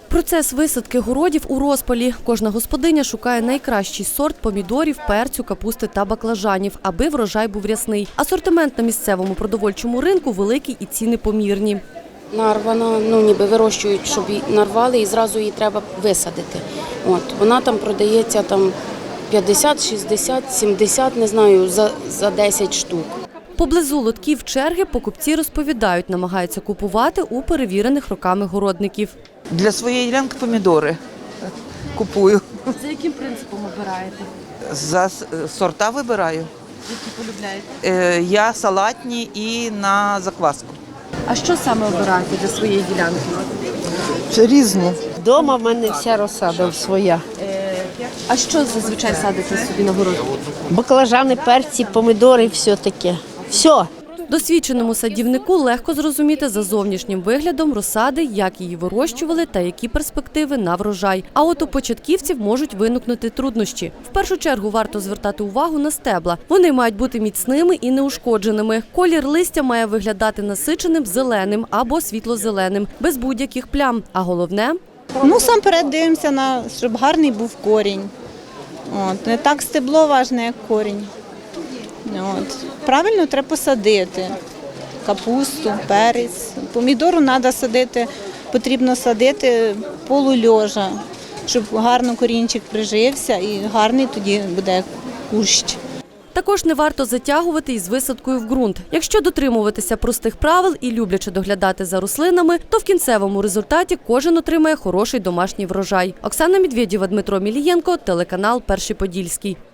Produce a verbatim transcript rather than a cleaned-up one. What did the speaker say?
Процес висадки городів у розпалі. Кожна господиня шукає найкращий сорт помідорів, перцю, капусти та баклажанів, аби врожай був рясний. Асортимент на місцевому продовольчому ринку великий і ціни помірні. Нарвана, ну ніби вирощують, щоб її нарвали і зразу її треба висадити. От, вона там продається там п'ятдесят, шістдесят, сімдесят, не знаю, за, за десять штук. Поблизу лотків черги покупці розповідають, намагаються купувати у перевірених роками городників. Для своєї ділянки помідори купую. За яким принципом обираєте? За сорта вибираю. Які полюбляєте? Я салатні і на закваску. А що саме обираєте для своєї ділянки? Різні. Дома в мене вся розсада своя. А що зазвичай садите собі на город? Баклажани, перці, помідори, все таке. Все. Досвідченому садівнику легко зрозуміти за зовнішнім виглядом розсади, як її вирощували та які перспективи на врожай. А от у початківців можуть виникнути труднощі. В першу чергу варто звертати увагу на стебла. Вони мають бути міцними і неушкодженими. Колір листя має виглядати насиченим зеленим або світло-зеленим, без будь-яких плям. А головне – Ну, насамперед дивимося, на, щоб гарний був корінь. От, не так стебло важне, як корінь. От. Правильно треба посадити капусту, перець. Помідору треба садити, потрібно садити полульожа, щоб гарно корінчик прижився і гарний тоді буде кущ. також не варто затягувати із висадкою в ґрунт. Якщо дотримуватися простих правил і люблячи доглядати за рослинами, то в кінцевому результаті кожен отримає хороший домашній врожай. Оксана Медведєва, Дмитро Мілієнко, телеканал Перший Подільський.